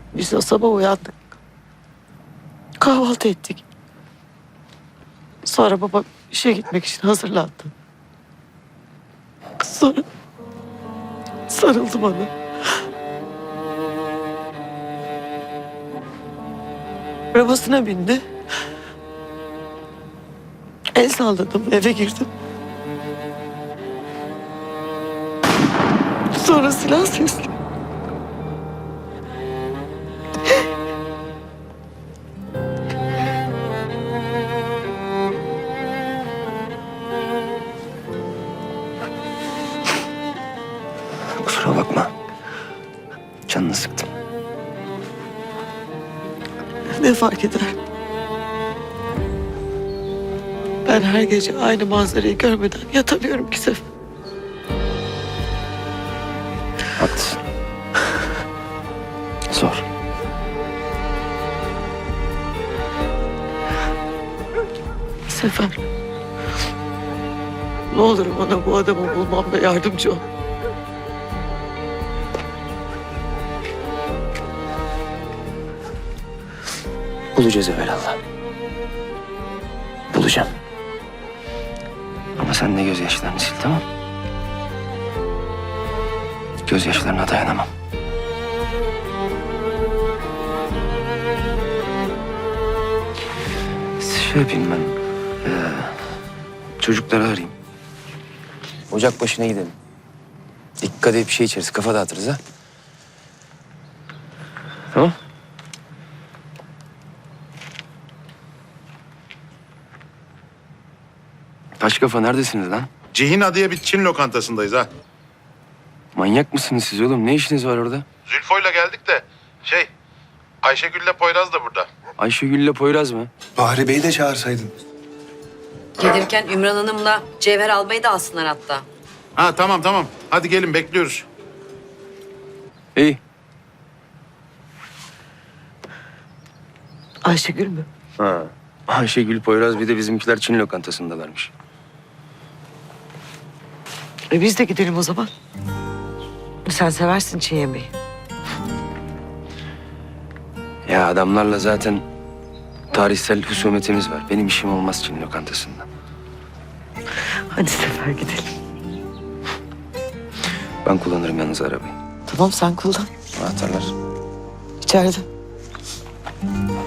Biz de sabah uyandık. Kahvaltı ettik. Sonra babam işe gitmek için hazırlandı. Sonra sarıldı bana. Arabasına bindi. El salladım, eve girdim. Sonra silah sesli. Kusura bakma. Canını sıktım. Ne fark eder? Ben her gece aynı manzarayı görmeden yatamıyorum ki Sefer. Haklısın. Zor. Sefer. Ne olur bana bu adamı bulmamda yardımcı ol. Bulacağız evvelallah. Bulacağım. Ama sen de gözyaşlarını sil, tamam? Gözyaşlarına dayanamam. Şey yapayım ben. Çocukları arayayım. Ocak başına gidelim. Dikkat edip bir şey içeriz. Kafa dağıtırız ha. Tamam. Taş kafa neredesiniz lan? Cihina diye bir Çin lokantasındayız ha. Manyak mısınız siz oğlum? Ne işiniz var orada? Zülfo'yla geldik de Ayşegül'le Poyraz da burada. Ayşegül'le Poyraz mı? Bahri Bey'i de çağırsaydın. Gelirken Ümran Hanım'la Cevher almayı da alsınlar hatta. Ha tamam. Hadi gelin bekliyoruz. İyi. Ayşegül mü? Ha. Ayşegül, Poyraz bir de bizimkiler Çin lokantasındalarmış. Biz de gidelim o zaman. Sen seversin Çin yemeği. Ya adamlarla zaten tarihsel husumetimiz var. Benim işim olmaz Çin lokantasında. Hadi Sefer gidelim. Ben kullanırım yalnız arabayı. Tamam sen kullan. Anahtarlar. İçeride.